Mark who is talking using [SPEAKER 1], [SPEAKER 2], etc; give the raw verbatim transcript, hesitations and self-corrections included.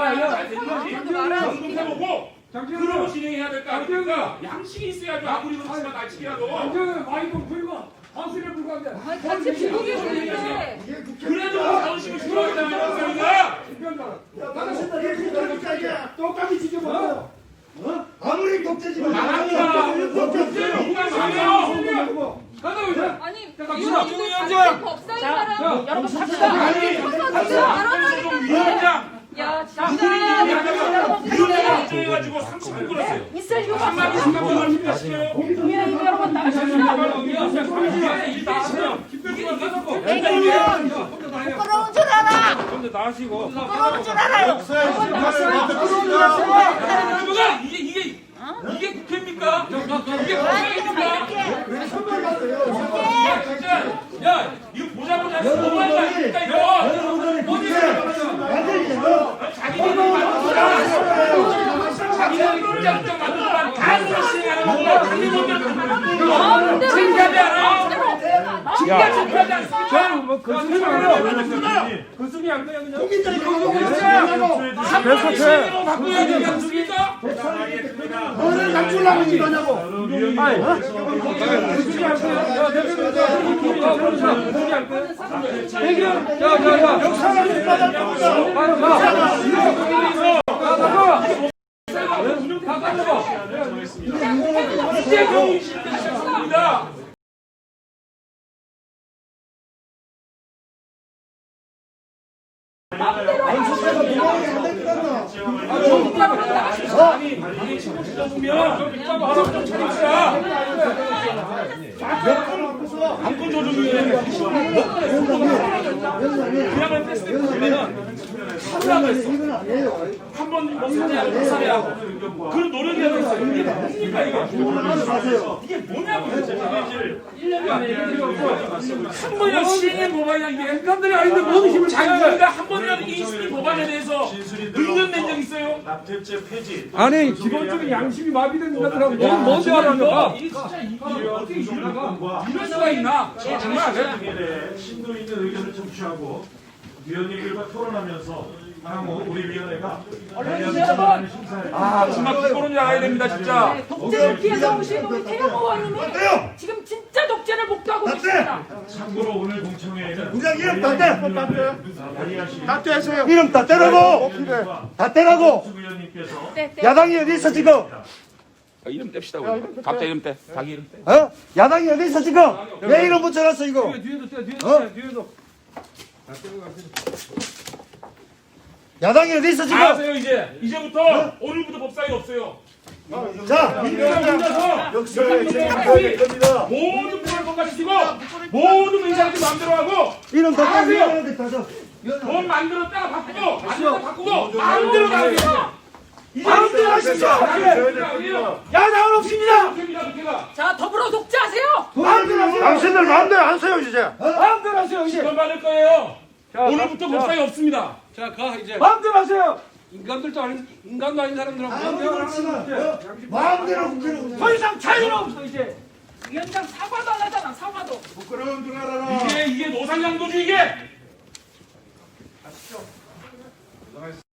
[SPEAKER 1] 잘 되는지 점검해보고 그러고 진행해야 될 거 아닙니까? 양식이 있어야죠. 아무리 그렇지만 날치기라도.
[SPEAKER 2] 완전 마이크 불과 한술에 불과한데.
[SPEAKER 3] 같이 비공개 보는데.
[SPEAKER 1] 그래도 자존심을 주어야잖아요, 저희가.
[SPEAKER 2] 똑같이 지켜봐.
[SPEAKER 4] 아무리 독재지만
[SPEAKER 1] 나갑니다. 독재는 누가 말해요?
[SPEAKER 2] 가자 이제.
[SPEAKER 3] 아니
[SPEAKER 2] 이거
[SPEAKER 3] 이거 법사인 사람 여러분 갑시다. 아니
[SPEAKER 1] 위원장.
[SPEAKER 3] 야
[SPEAKER 1] 위원장
[SPEAKER 3] 진짜.
[SPEAKER 1] 해가지고 삼십 분 끌었어요.
[SPEAKER 3] 있을 이유가
[SPEAKER 1] 한마디
[SPEAKER 3] 없어.
[SPEAKER 1] 생각을 힘내시켜요.
[SPEAKER 3] 국민의힘 여러분 나가십시다. 부끄러운 줄 알아.
[SPEAKER 2] 근데 나시고.
[SPEAKER 3] 부끄러운 줄 알아요.
[SPEAKER 1] 누가 이게 이게 이게 국회입니까? 이게 국회입니까? 야 진짜 야 이거 보자마자 너무한 거 아닙니까 이거? 자기들이 만들어라. 자기들이 국장국장 만들어라. 다 시행하는 거야. 자기 먼저 진짜지 않아? 진짜 진짜지 않습니까?
[SPEAKER 2] 저는 뭐 거짓말 안 해요. 거짓말 안 돼요 그냥.
[SPEAKER 1] 계속해. 시행으로 바꿔야 되지 않습니까?
[SPEAKER 4] 너를 갖추려고 이 거냐고.
[SPEAKER 2] 아니, 거짓말 안 돼요. 야, 대표님, 야, 그러자. 거짓말 안 돼요. 해결. 야, 야, 야.
[SPEAKER 4] 역사가 있다고.
[SPEAKER 2] 빨리 가. 가, 가. 가, 가져가.
[SPEAKER 1] 이제 경이 시작했습니다. 아니, 당연히 친구 찢어보면 좀 차립시다. 안건 조정위원회 그냥을 뺐을 때 보면은 사과가 있어. 한번 사죄하고 사죄하고 그런 노력이라도 있어요. 이게 뭡니까 이거? 이게 뭐냐고 도대체. 일 년 만에 한 번이라도 시행해 법안이야. 이게 인간들이 아닌데 뭔 힘을 자기가 한 번이라도 이 시행 법안에 대해서 의견 낸 적 있어요?
[SPEAKER 5] 납땜죄 폐지.
[SPEAKER 2] 아니, 기본적인 양심이 마비된 인간들하고 뭔 뭔지 알아요?
[SPEAKER 1] 이게 진짜 이거 어떻게 이러다가 이럴 수가 있나? 정말
[SPEAKER 5] 등에 대해 심도 있는 의견을 청취하고 위원님들과 토론하면서 향후 우리 위원회가 관련 심사에
[SPEAKER 1] 아 정말 기본은 알아야 됩니다 진짜.
[SPEAKER 3] 독재를 피해서 오신 우리 태영 의원님이 지금 진짜 독재를 목도하고 계십니다.
[SPEAKER 5] 참고로 오늘 공청회에는
[SPEAKER 4] 우리가 이름 다 떼.
[SPEAKER 5] 발의하신
[SPEAKER 4] 다 떼세요. 이름 다 떼라고. 다 떼라고.
[SPEAKER 5] 수 의원님께서
[SPEAKER 3] 네, 네.
[SPEAKER 4] 야당이 어디 있어 지금?
[SPEAKER 1] 이름 뗍시다 우리. 각자 이름 떼. 자기 이름 떼.
[SPEAKER 4] 어? 야당이 어디 있어 지금? 왜 이름 붙여놨어 이거?
[SPEAKER 2] 뒤에도 떼, 뒤에도
[SPEAKER 4] 어?
[SPEAKER 2] 떼, 뒤에도.
[SPEAKER 4] 야당이 어디 있어 지금?
[SPEAKER 1] 다 하세요 이제. 이제부터 오늘부터 법사위 없어요.
[SPEAKER 4] 자,
[SPEAKER 1] 민주당에서
[SPEAKER 4] 역사에 책임져야 겁니다.
[SPEAKER 1] 모든 법을 통과시키고 모든 의사들 마음대로 하고
[SPEAKER 4] 이름 다
[SPEAKER 1] 하세요.
[SPEAKER 4] 떼야겠다. 저.
[SPEAKER 1] 돈 만들었다가 바꾸고 만들었다가 바꾸고 마음대로 나가세요.
[SPEAKER 4] 마음대로 하십시오. 야당은 없습니다.
[SPEAKER 3] 자 더불어 독재하세요.
[SPEAKER 4] 마음대로 하세요. 당신들 마음대로 안 써요 이제.
[SPEAKER 2] 마음대로 하세요, 이제.
[SPEAKER 1] 돈 받을 거예요.
[SPEAKER 2] 자,
[SPEAKER 1] 오늘부터
[SPEAKER 2] 자,
[SPEAKER 1] 법사위 없습니다.
[SPEAKER 2] 자, 가, 이제. 마음대로 하세요. 인간들도 아닌, 인간도 아닌 사람들하고 마음대로 하는 거지.
[SPEAKER 4] 마음대로 국회를
[SPEAKER 2] 더 이상 자유는 없어, 이제.
[SPEAKER 3] 위원장 사과도 안 하잖아 사과도.
[SPEAKER 4] 부끄러운 줄 알아라.
[SPEAKER 1] 이게 이게 노상양도주 이게.